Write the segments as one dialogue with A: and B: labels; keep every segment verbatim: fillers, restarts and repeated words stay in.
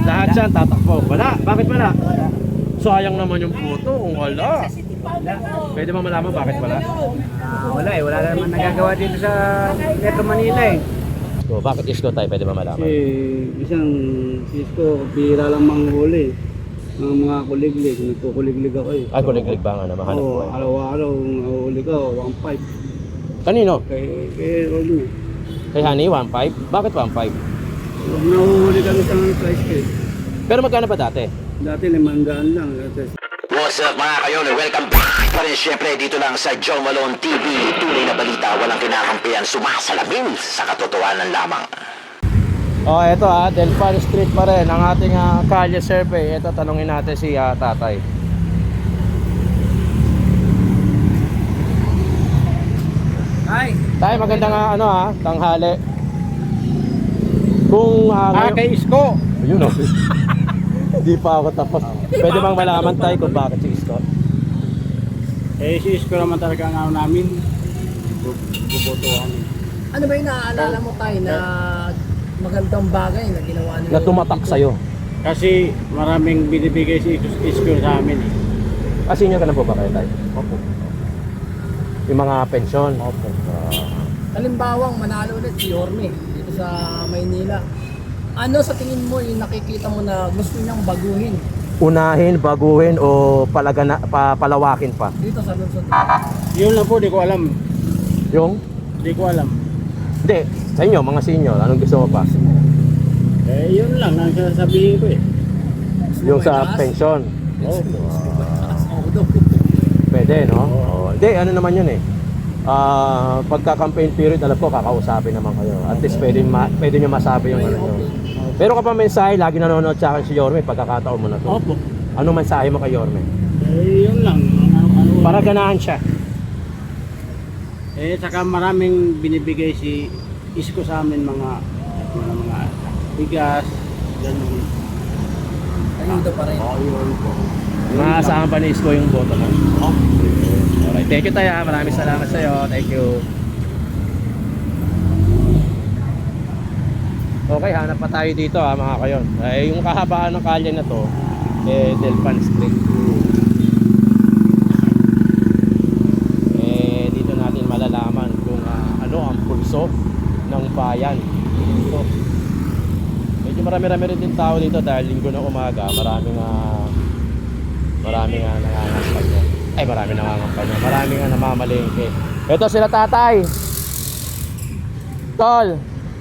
A: Lahat yan tatakbo. Wala. Bakit wala? Sayang naman yung photo kung wala. Pwede mo malaman bakit wala?
B: Ah, wala eh, wala naman nagagawa dito sa Metro Manila eh.
A: So, bakit isko tayo? Pwede mo malaman?
C: Kasi isang isko, bihira lang manghuli. Ang mga kuliglig, nagkukuliglig ako eh.
A: Ay, kuliglig ba nga na mahanap
C: Oo,
A: ko eh.
C: araw-araw nahuli ko, one five.
A: Kanino?
C: Kay, kay Rolly.
A: Kay Honey, one five? Bakit one five?
C: Nahuhuli kami sa price case.
A: Pero magkano pa dati?
C: Dati limandaan lang. Dati.
D: What's up mga kayon? Welcome back pa rin syempre dito lang sa Joe Malone T V. Tunay na balita, walang kinakampihan, sumasalamin sa katotohanan lamang.
A: Oh, eto ah, Delpan Street pa rin ang ating uh, kalye survey. Ito, tanungin natin si uh, tatay.
B: Ay,
A: Tay, magandang uh, ano ah, tanghali. Kung uh,
B: ah, kay Isko.
A: ayun oh. Hindi pa ako tapos. Pwede bang malaman tayo kung bakit si Isko?
C: Eh, si Isko naman talaga ang ano namin. Bubotohan.
E: Ano ba yung naaalala mo tayo na magandang bagay na ginawa nila?
A: Na tumatak sa'yo.
C: Kasi maraming binibigay si Isko sa amin eh.
A: Ah, senior ka na po ba kayo tayo?
C: Opo.
A: Yung mga pensyon?
C: Opo.
E: Halimbawang manalo ulit si Yorme dito sa Maynila. Ano sa tingin mo yung nakikita mo na gusto niyang baguhin
A: Unahin, baguhin o palagana, pa, palawakin pa?
E: dito sa Luzon?
C: Yun lang po, di ko alam.
A: Yung?
C: Di ko alam.
A: Hindi, sa inyo, mga senior, anong gusto mo pa?
C: Eh, yun lang ang sasabihin ko eh.
A: Yung sa pensyon?
C: Oh.
A: Pwede, no? Oo. Hindi, ano naman yun eh. Ah, pagka-campaign period, alam ko, kakausapin naman kayo. At least pwede, ma pwede nyo masabi yung ano nyo. Pero kapag mensahe, lagi nanonood sa akin si Yorme, pagkakataon mo na to.
C: Opo.
A: Ano mensahe mo kay Yorme?
C: Eh, yun lang. Ano, ano,
A: Para ganahan siya.
C: Eh, saka maraming binibigay si Isko sa amin mga mga, mga bigas, ganun.
E: Ayuda pa rin.
C: Oh, yun po.
A: Maasahan pa ni Isko yung boto mo. Alright, thank you tayo. Maraming salamat sa iyo. Thank you. Okay, hanap pa tayo dito ha, mga kayon. Eh, yung kahabaan ng kalye na to, eh, Delpan Street. Eh, dito natin malalaman kung uh, ano ang pulso ng bayan. Dito. Medyo marami-rami rin din tao dito dahil linggo ng umaga. Maraming uh, maraming uh, nangangampanya. Ay, maraming nangangampanya. Maraming uh, namamalengke. Ito sila tatay. Tol.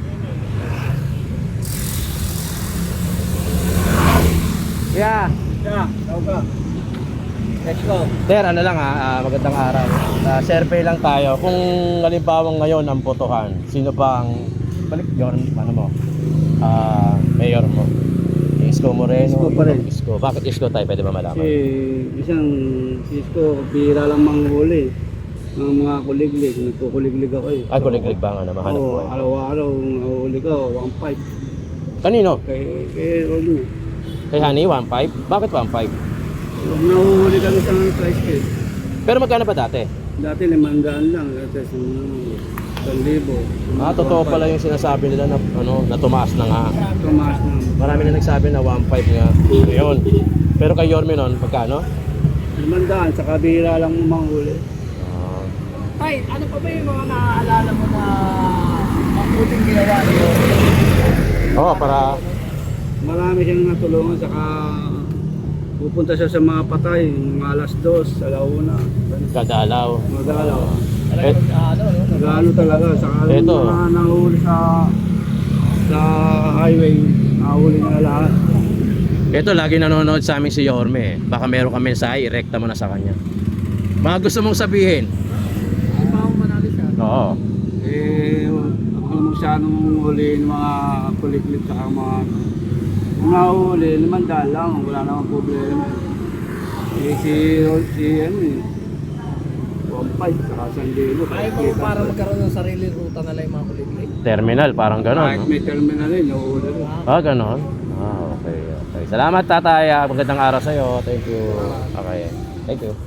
A: Yeah.
C: Yeah, tawag ka.
E: Let's go.
A: Sir, ano lang ha, ah, magandang araw. Uh, survey lang tayo. Kung halimbawa ngayon ang botohan, sino ba ang balik Yorme, ano mo? Ah, mayor mo. Isko Moreno.
C: Isko pa rin.
A: Isko. Bakit Isko tayo? Pwede ba malaman?
C: Kasi isang si Isko, bihira lang manghuli. Ang mga kuliglig, nagkukuliglig ako eh.
A: Ay, kuliglig ba nga na mahanap ko
C: Oo,
A: eh.
C: araw-araw nahuli ko, one five.
A: Kanino?
C: Kay, kay Rolly.
A: Kay Honey, one five? Bakit one five?
C: Nahuhuli kami sa price case.
A: Pero magkano pa dati?
C: Dati limandaan lang, dati sa isang libo.
A: Ah, totoo pala yung sinasabi nila na, ano, na tumaas na nga.
C: Tumaas na.
A: Marami na nagsabi na one five nga. Yun. Pero kay Yorme nun, pagkano?
C: Limandaan, sa kabira lang manghuli.
A: Ah,
E: Tay, ano pa ba yung mga naaalala mo na mabuting ginawa ni Yorme?
A: Oo, para
C: Marami siyang natulungan, saka pupunta siya sa mga patay, mga alas dos, alauna.
A: kadalaw.
C: Magalaw.
A: Eh,
E: Ano, no?
C: Nagano talaga, saka yung
A: Eto.
C: mga nahuli sa sa highway, nahuli na lahat.
A: Ito, lagi nanonood sa amin si Yorme. Baka meron kang mensahe, irekta mo na sa kanya. Mga gusto mong sabihin?
E: Halimbawang manalo siya.
A: Oo.
C: Eh, ako naman siya nung huli ng mga kuliglig saka mga kung nahuli, limandaan lang, wala namang problema. Eh, si, si, ano eh, one five, saka sandilo.
E: Ayaw mo para magkaroon ng sarili ruta na lang yung mga kuliglig?
A: Terminal, parang
C: Kahit
A: ganon. No?
C: may terminal eh, nahuli rin.
A: Ah, ganon? Ah, okay, okay. Salamat tatay. Ah, magandang araw sa'yo. Thank you. Okay. Thank you.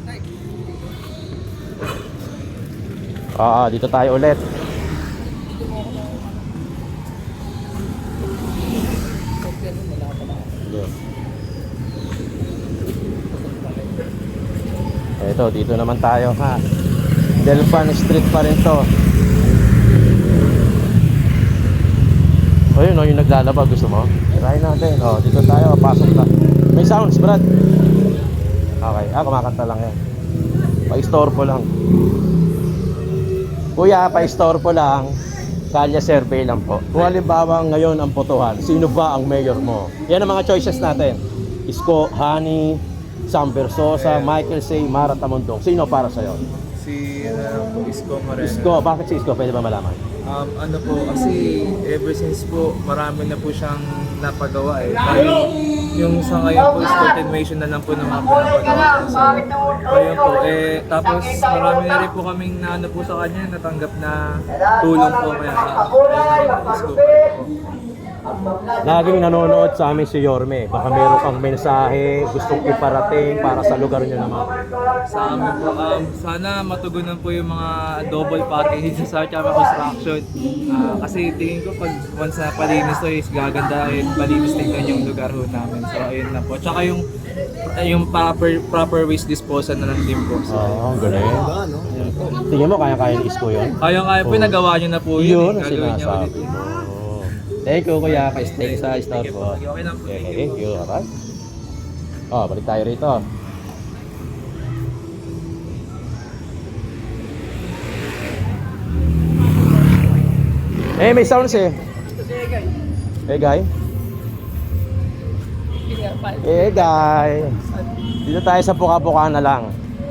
A: Ah, dito tayo ulit.
E: Kopya nun, wala pa
A: you. Ito, dito naman tayo ha. Delpan Street pa rin to. Ayun o, yung naglalaba, gusto mo? Try natin. O, dito tayo, pasok na. May sounds, Brad. Okay, ah, kumakanta lang yan. Pa-istorbo lang. Kuya, pa-istorbo lang. Kalya survey lang po. Kung halimbawa ngayon ang botohan, sino ba ang mayor mo? Yan ang mga choices natin. Isko, Hani, Sam Versosa, Michael Say, Mara Tamundong. Sino para sa'yo?
F: Si uh, po, Isko Moreno.
A: Isko, bakit si Isko? Pwede ba malaman?
F: Um, ano po, kasi ever since po, marami na po siyang napagawa eh. Kaya yung sa ngayon po is continuation na lang po ng mga pinapagawa. So, ayun po, eh, tapos marami na rin po kaming na ano po sa kanya, natanggap na tulong po kaya ayun, Isko po.
A: Laging nanonood sa amin si Yorme. Baka meron kang mensahe, gustong iparating para sa lugar nyo naman.
F: Sa amin po, um, sana matugunan po yung mga double package sa Chama Construction. Ah, kasi tingin ko pag once na palinis to is gaganda at malinis tingnan yung lugar ho namin. So ayun lang po. Tsaka yung yung proper proper waste disposal na lang din po. So,
A: Oo, oh, galing. Tingin mo, kaya-kaya ni Isko yun?
F: kaya-kaya po,
A: Oo.
F: nagawa nyo na po
A: Yun
F: yun.
A: ang
F: eh. Gagawin niya ulit.
A: sinasabi mo. Thank you, kuya. Ka-stay sa store po.
F: Okay, okay lang po.
A: Okay, thank you. Alright. Oh, balik tayo rito. Eh, may sounds eh. Eh, guy. Eh, guy. Dito tayo sa puka-puka na lang.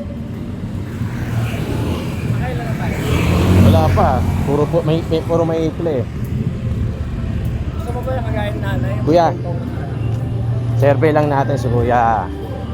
A: Wala pa. Puro po, may, may puro may ikli.
E: Gusto mo ba yung kagaya ng nanay?
A: Kuya. Survey lang natin si Kuya.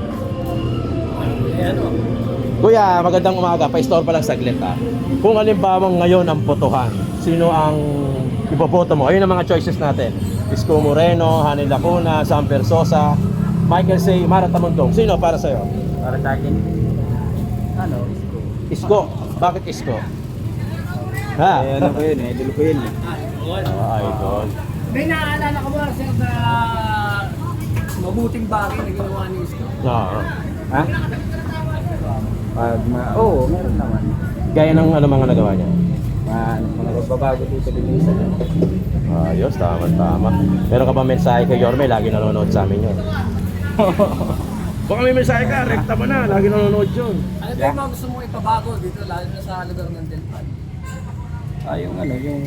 E: Eh, ano?
A: Kuya, magandang umaga. Pa-store pa lang saglit ha. Kung halimbawa ngayon ang botohan, sino ang iboboto mo? Ayun ang mga choices natin. Isko Moreno, Hani Lacuna, Sam Versosa, Michael Say, Mara Tamundong. Sino para sa'yo?
B: Para sa akin, ano, Isko.
A: Isko. Bakit Isko? Ha?
B: Eh, ano ko yun, eh, idol ko yun. eh.
A: Ah, idol.
E: May naaalala ko ba, sir, na mabuting bagay na ginawa ni Isko?
A: Oo.
B: Ha? Pag ma... Oo, meron naman.
A: Gaya ng ano mga nagawa niya?
B: Ma, mga nagbabago dito din isa.
A: Ayos, tama, tama. Meron ka ba mensahe kay Yorme? Lagi nanonood sa amin yun. Baka may mensahe ka, rekta mo na. Lagi nanonood yun.
E: Ano ba yung mga gusto mong ipabago dito, lalo na sa lugar ng Delpan?
B: Ah, yung ano, yung...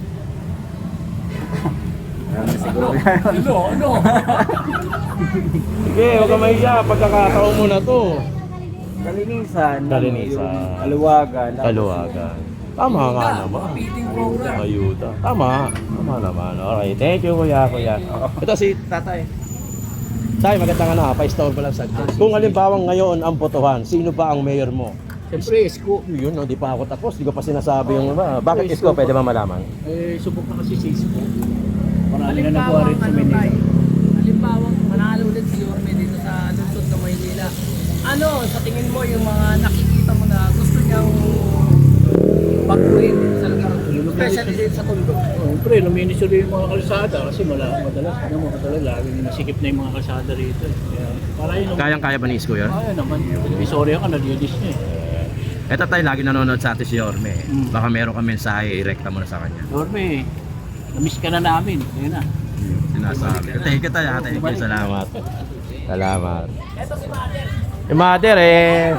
B: Ano siguro
E: Ano?
B: yan?
E: Ano? Ano?
A: Sige, huwag ka mahiya. Pagkakataon mo na to.
B: Kalinisan. ano,
A: Kalinisan.
B: yung Kaluwagan.
A: Kaluwagan. Tama nga naman.
E: Feeding program.
A: Ayuda. Tama. Tama naman. Okay, thank you kuya, kuya. Ito si tatay. Tay, magandang ano ha. Pa-store ko lang saglit. Kung halimbawa ngayon ang botohan, sino ba ang mayor mo?
G: Siyempre, Isko.
A: Yun, no, di pa ako tapos. Di ko pa sinasabi yung iba. Bakit Isko? Pwede ba malaman?
G: Eh, subok na kasi si Isko. Marami na
E: Halimbawa,
G: nakuha rin sa
E: ano
G: Manila.
E: tayo? Halimbawa, manalo ulit si Yorme dito sa lungsod ng Maynila. Ano, sa tingin mo yung mga nakikita mo na gusto niyang baguhin dito sa lugar? Especially dito sa Tondo.
G: Oh, pre, luminis ulit yung mga kalsada kasi mala, madalas, ano mo, madalas, laging nasikip na yung mga kalsada rito. eh. Kaya, para yun naman.
A: Kayang-kaya ba ni Isko yun?
G: Kaya naman, Visoria ka, nalinis niya eh.
A: Ito tayo, lagi nanonood sa atin si Yorme.
G: Mm.
A: Baka meron kang mensahe, irekta mo na sa kanya.
G: Dorme, namiss ka na namin. Ayun na.
A: Sinasabi. Thank you tayo, thank you. Salamat. Salamat.
E: Ito si Mother.
A: Si Mother eh.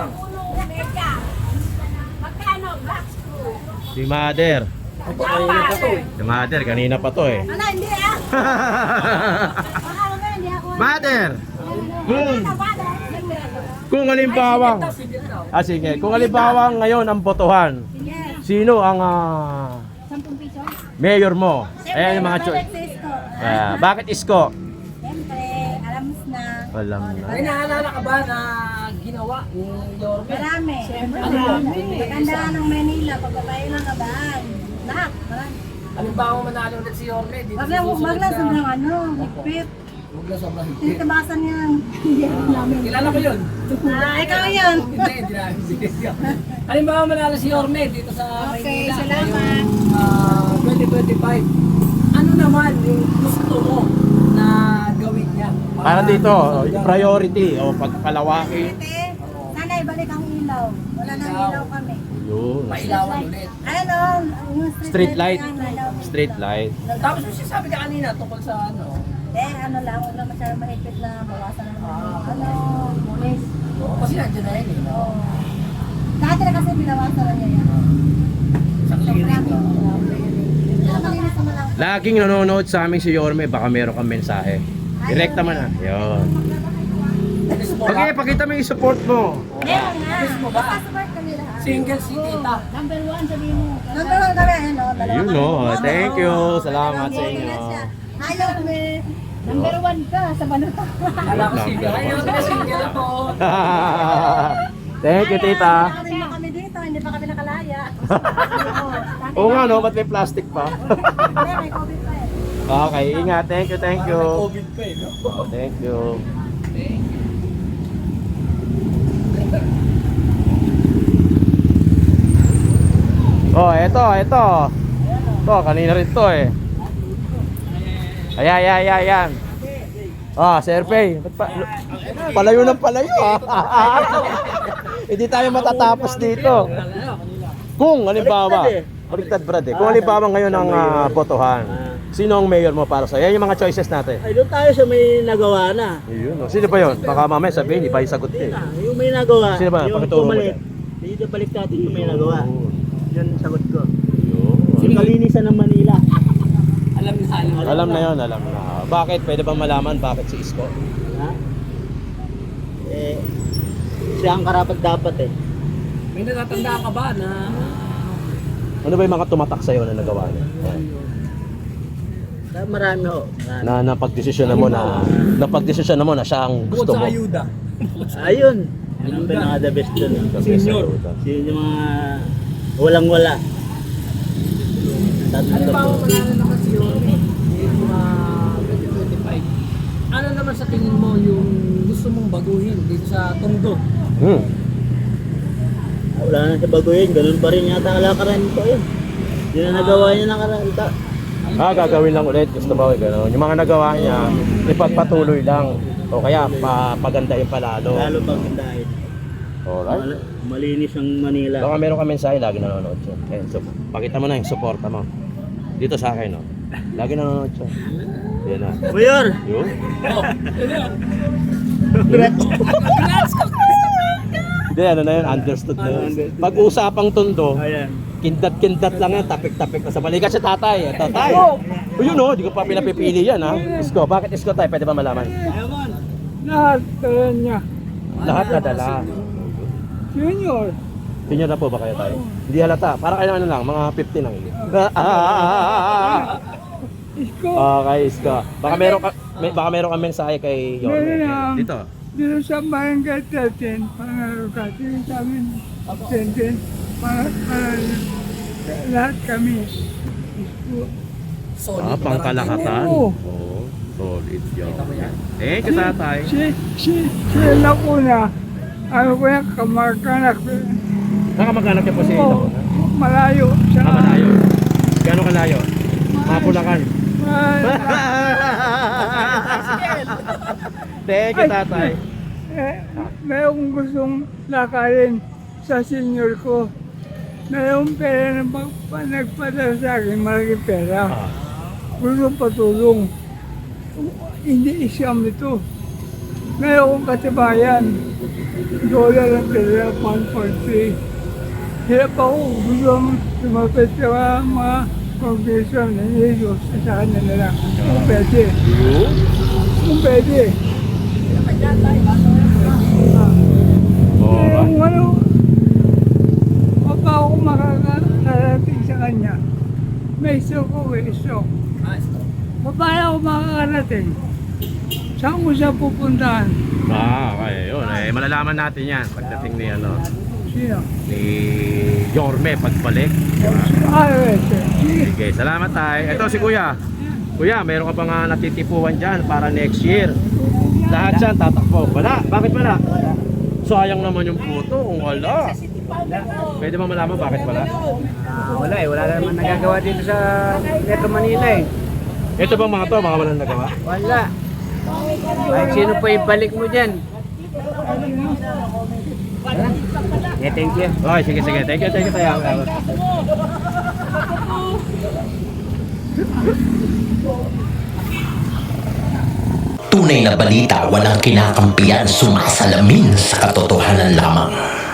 H: Magkano black screw?
A: Si Mother. Si Mother, kanina pa to eh.
H: Ano, hindi ah. Baka mamaya hindi ako.
A: Mother!
H: Hmm.
A: Kung halimbawa, ah sige, kung halimbawa ngayon ang botohan, sino ang ah,
H: Sampung piso?
A: mayor mo? Ayan yung mga choice.
H: Isko.
A: Ah, bakit Isko?
H: Siyempre, alam mo na.
A: Alam na.
E: May naalala ka ba na ginawa ni Yorme?
H: Marami. Siyempre,
E: Ano yun?
H: marami. Magandaan ng Manila, pagbabayo ng kabaan. Lahat, marami.
E: Halimbawa, manalo ulit si Yorme dito
H: Wag
E: sa
H: lang,
E: susunod
H: wag lang
E: na-
H: sobrang ano, higpit.
E: Huwag lang sobrang higpit.
H: Tinitabasan yan. Hindi ako namin.
E: Kilala ko yun.
H: Ah, ikaw yun.
E: Hindi, hindi namin sinisyo. Halimbawa, manalo si Yorme dito sa
H: Okay,
E: Maynila.
H: salamat.
E: ngayong, ah, twenty twenty-five. Ano naman yung gusto mo na gawin niya? Para
A: Para dito, yung priority o pagpalawaki.
H: Ate, sana ibalik ang ilaw. Wala nang ilaw kami.
A: Yun.
E: Mailawan ulit.
H: Ano, yung
A: Street light.
H: ang ilaw.
A: Street light.
E: Tapos yung sinasabi ka kanina tungkol sa ano,
H: Eh, ano lang, huwag lang masyadong mahigpit na bawasan ng ano, mulis.
E: kasi nandiyan na yun eh.
H: Oo. Dati na kasi binawasan na niya yan.
E: Sa clearing.
H: Pero malinis naman lang.
A: Laging nanonood sa amin si Yorme, baka meron kang mensahe. Direkta man ah. Yun. Okay, pakita mo yung support mo.
H: Meron nga.
E: Miss mo ba?
H: Support kami lahat.
E: Single si tita.
H: Number one, sabihin mo. Number one kami, ano, dalawa
A: Yun
H: kami.
A: no. Thank you. Salamat sa inyo.
H: Ayaw kami. Number one ka sa banuta.
E: Kala ko single. Ayun, single ako.
A: Thank you, tita.
H: Hindi pa kami dito, hindi pa kami nakalaya.
A: Oo nga no, ba't may plastic pa?
H: Hindi, may COVID pa eh.
A: Okay, ingat. Thank you, thank you.
E: COVID pa eh, no?
A: Thank you. Oh, eto, eto. To, kanina rin to eh. Ayan, ayan, ayan, ayan. Ah, Sir Pay. Ba't pa- Palayo ng palayo ah. Hindi tayo matatapos dito. Kung halimbawa, baliktad brad eh. Kung halimbawa ngayon ang ah, botohan, sino ang mayor mo para sa? Yan yung mga choices natin.
G: Ay, doon tayo sa may nagawa na.
A: Ayun, oh. Sino ba yun? Baka mamaya sabihin, iba yung sagot eh.
G: Ah, yung may nagawa.
A: Sino ba?
G: Yung
A: Pakituro mo
G: pumalit.
A: yan.
G: Dito balik natin yung may nagawa. Yun ang sagot ko.
A: Ayun.
G: Yung kalinisan ng Manila.
E: Alam ni Salo.
A: Alam na yon, alam na. Bakit? Pwede bang malaman bakit si Isko?
G: Ha? Eh, siya ang karapat dapat eh.
E: May natatandaan ka ba na
A: Ano ba yung mga tumatak sa'yo na nagawa niya?
G: Ah, Marami ho. Marami.
A: Na napagdesisyon mo na napagdesisyon mo na siya ang
E: bukod
A: gusto
E: sa
A: mo.
E: ayuda?
G: Ayun. Yun ang pinaka-the best dun. eh.
E: Senior.
G: Kasi yung mga walang-wala.
E: Halimbawa, manalo naman si Yorme yung uh, twenty twenty-five. Ano naman sa tingin mo yung gusto mong baguhin dito sa Tondo?
A: Hmm.
G: Wala na siya baguhin. Ganun pa rin yata kalakaran ko yun. Yun ang nagawa niya nakaranta.
A: Ah, gagawin lang ulit. Gusto ba yung gano'n? Yung mga nagawa niya, ipagpatuloy lang. O kaya, pa, pagandahin pa lalo.
G: Lalo pag dahil.
A: Alright.
G: Mal- malinis ang Manila.
A: Baka meron ka mensahe, lagi nanonood siya. Eh, so, pakita mo na yung suporta mo. Dito sa akin, no? Lagi nanonood siya. Yan na.
G: Mayor!
A: Yun. Hindi, ano na yun, understood na yun. Pag-usapang Tondo,
G: Ayan.
A: kindat-kindat lang yan, tapik-tapik na sa balikat si tatay. Eh. Tatay! O yun o, di ko pa pinapipili yan ha. Isko, bakit Isko tayo? Pwede ba malaman?
C: Lahat talaga niya.
A: Lahat nadala.
C: Junior.
A: Senior na po ba kayo tayo? Hindi halata. Para kayo ano lang, mga fifty lang.
C: Isko.
A: Okay, Isko. Baka meron ka, may, baka meron ka mensahe kay Yorme.
C: Meron lang.
A: Dito.
C: Dito sa barangay thirteen, pangarap natin sa amin, thirteen, para, para lahat kami. Isko.
E: Solid
A: Ah, pangkalahatan.
C: Oo.
A: Oo. Solid yun. Eh, kita tayo.
C: Si, si, si Lacuna, ano ko yan, kamag-anak.
A: Nakamag-anak niya po si
C: Oo,
A: Lacuna.
C: malayo. Sa,
A: Ah, malayo. Gano'ng kalayo? Mapulakan.
C: Mal-
A: Thank you, tatay.
C: eh, may akong gustong lakarin sa senior ko. Mayroong pera na pag nagpadala sa akin, malaking pera.
A: Ah.
C: Gusto patulong. Hindi isyam ito. Ngayon akong katibayan. Dollar ang pera, one point three. Hirap ako. Gusto akong tumapit sa mga mga congregation na nililos sa kanya na lang. Kung pwede. Kung pwede. Ah.
A: Alright.
C: Kung ano, pa ako makakarating sa kanya. May stroke ko, may stroke. Paano ako makakarating? Saan ko siya pupuntahan?
A: Ah, okay. Yun. Eh, malalaman natin yan pagdating ni ano,
C: Sino?
A: ni Yorme pagbalik.
C: Ah, yes, sir. Sige.
A: Sige, salamat tayo. Ito si Kuya. Kuya, meron ka pa nga natitipuan dyan para next year. Lahat dyan tatakbo. Wala. Bakit wala? Sayang naman yung puto kung wala. Pwede ba malaman bakit wala?
B: Ah, wala eh, wala naman nagagawa dito sa Metro Manila eh.
A: Ito bang mga to, mga walang nagawa?
B: Wala. Kahit sino pa ibalik mo dyan. Yeah, thank you.
A: Okay, sige, sige. Thank you, thank you tayo.
D: Tunay na balita, walang kinakampiyan, sumasalamin sa katotohanan lamang.